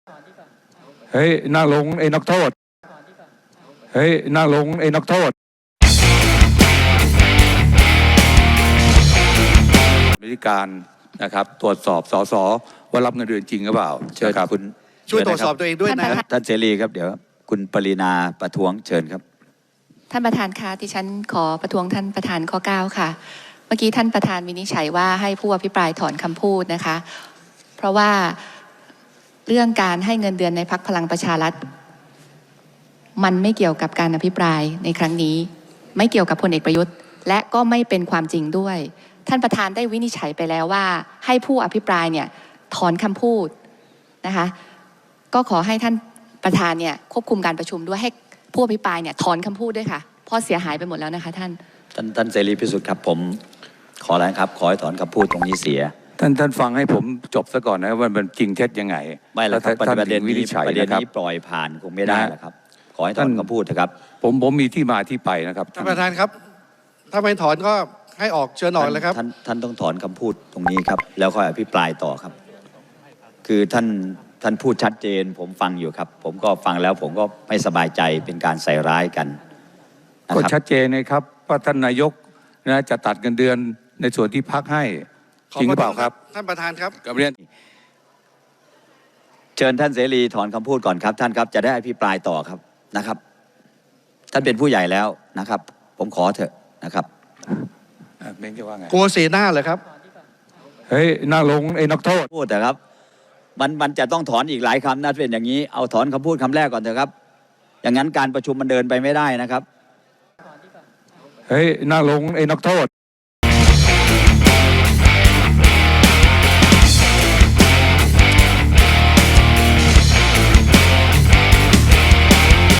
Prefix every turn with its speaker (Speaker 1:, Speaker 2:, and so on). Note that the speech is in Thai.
Speaker 1: เฮ้ยนั่งลงไอ้นักโทษเฮ้ยนั่งลงไอ้นักโทษวิธีการนะครับตรวจสอบสสว่ารับเงินเดือนจริงหรือเปล่า
Speaker 2: เชิญ
Speaker 1: ครับ
Speaker 2: คุณ
Speaker 3: ช่วยตรวจสอบตัวเองด้วยนะ
Speaker 2: ท่านเสรีครับเดี๋ยวคุณปรินาประท้วงเชิญครับ
Speaker 4: ท่านประธานคะดิฉันขอประท้วงท่านประธานข้อ 9 ค่ะ เมื่อกี้ท่านประธานวินิจฉัยว่าให้ผู้อภิปรายถอนคำพูดนะคะ เพราะว่าเรื่องการให้เงินเดือนในพรรคพลังประชารัฐมันไม่เกี่ยวกับการอภิปรายในครั้งนี้ ไม่เกี่ยวกับพลเอกประยุทธ์ และก็ไม่เป็นความจริงด้วย ท่านประธานได้วินิจฉัยไปแล้วว่าให้ผู้อภิปรายเนี่ยถอนคำพูดนะคะก็ขอให้ท่านประธานเนี่ยควบคุมการประชุมด้วยให้ผู้อภิปรายเนี่ยถอนคำพูดด้วยค่ะเพราะเสียหายไปหมดแล้วนะคะท่าน
Speaker 2: เสรีพิสุทธิ์ครับผมขอแล้วครับขอให้ถอนคำพูดตรงนี้เสีย
Speaker 1: ท่านฟังให้ผมจบซะก่อนนะว่ามันจริงเท็จยังไง
Speaker 2: ไม่แล้วครับ
Speaker 1: ท่าน
Speaker 2: ประเด็น
Speaker 1: วินิ
Speaker 2: นี้
Speaker 1: จฉัย
Speaker 2: ประเด็น
Speaker 1: นะครับ
Speaker 2: นี้ปล่อยผ่านคงไม่ได้แล้วครับขอให้ถอนคำพูดเถอะครับ
Speaker 1: ผมมีที่มาที่ไปนะครับ
Speaker 3: ท่านประธานครับ ถ้าไม่ถอนก็ให้ออกเชิญออกเลยครับ
Speaker 2: ท่านต้องถอนคำพูดตรงนี้ครับแล้วค่อยอภิปรายต่อครับ คือท่านพูดชัดเจนผมฟังอยู่ครับ ผมก็ฟังแล้วผมก็ไม่สบายใจเป็นการใส่ร้ายกันนะ
Speaker 1: ก็
Speaker 2: ครับ
Speaker 1: ชัดเจนนะครับว่าท่านนายกนะจะตัดเงินเดือนในส่วนที่พักให้จริงหรือเปล่าครับ
Speaker 3: ท่านประธานครับ
Speaker 1: กับเรียน
Speaker 2: เชิญท่านเสรีถอนคำพูดก่อนครับท่านครับจะได้อภิปรายต่อครับนะครับ ท่านเป็นผู้ใหญ่แล้วนะครับ ผมขอเถอะนะครับ
Speaker 1: เมนจะว่าไง
Speaker 3: กลัวเสียหน้าเหรอครับ
Speaker 1: เฮ้ยนั่งลงไอ้นักโทษ
Speaker 2: พูดแต่ครับมันจะต้องถอนอีกหลายคำนะเป็นอย่างนี้เอาถอนคำพูดคำแรกก่อนเถอะครับ อย่างนั้นการประชุมมันเดินไปไม่ได้นะครับ
Speaker 1: เฮ้ยนั่งลงไอ้นักโทษ